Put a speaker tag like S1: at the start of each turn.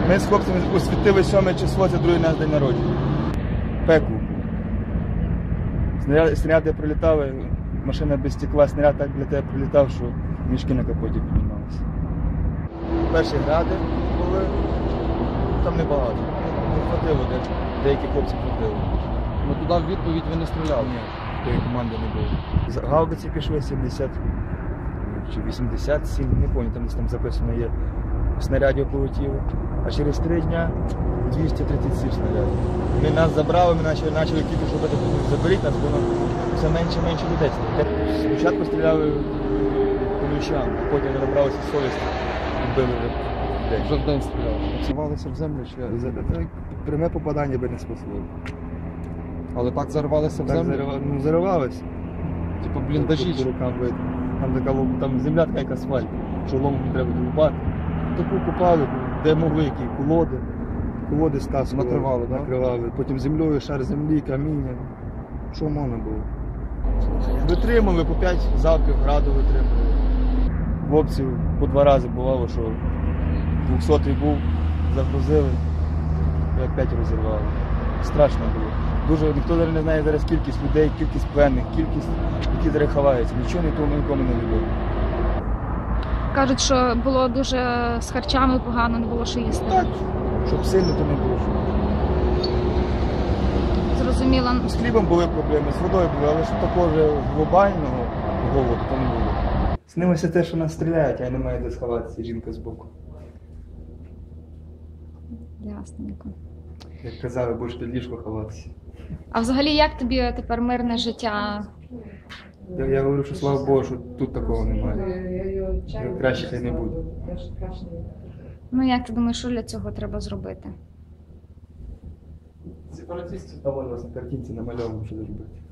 S1: Ми з хлопцями освітили 7 число, це другий наш день народження. Пекло. Снаряди прилітали, машина без стекла, снаряд так для тебе прилітав, що мішки на капоті піднімалися. Перші гради були, там небагато. Не хватило, деякі хлопці хватило.
S2: Ну туди в відповідь ви не стріляли?
S1: Ні, тої команди не було. Гаубиці пішли 70 чи 87, не пам'ятаю, там десь там записано є. Снарядів полетіло. А через 3 дня 237 снарядів. Вони нас забрали, ми почали тільки шукати, заберіть нас, воно все менше і менше людей. Спочатку стріляли по ключам, а потім не набралися совісті і били людей.
S2: Вже в день стріляли. Зарвалися в землю чи?
S1: Пряме попадання би не спасло.
S2: Але так зарвалися в землю?
S1: Ну, заривалися.
S2: Типу бліндажі?
S1: По рукам видно. Там така там земля така, як асфальт. Шолом треба долупати. Таку купали, де могли, які колоди стаскували.
S2: Накривали, так?
S1: Накривали. Потім землею, шар землі, каміння. Що можна було? Витримали по 5 залпів, граду витримали. Хлопців по 2 рази бувало, що 200-й був, загрузили, і опять розірвали. Страшно було. Дуже ніхто не знає зараз кількість людей, кількість пленних, кількість, які зараз ховаються. Нічого нікому не відомо.
S3: Кажуть, що було дуже з харчами погано, не було що їсти.
S1: Так, щоб сильно, то не було.
S3: Зрозуміла.
S1: З хлібом були проблеми, з водою були, але ж такого вже глобального голоду то не було. Снилося те, що нас стріляють, а немає де сховатися, жінка збоку.
S3: Ясненько.
S1: Як казали, будеш під ліжко ховатися.
S3: А взагалі, як тобі тепер мирне життя?
S1: Я говорю, що слава Богу, що тут такого немає. Краще хай не буде.
S3: Ну, як ти думаєш, що для цього треба зробити?
S1: Сепаратистів, там у вас на картинці намальовано, що зробити.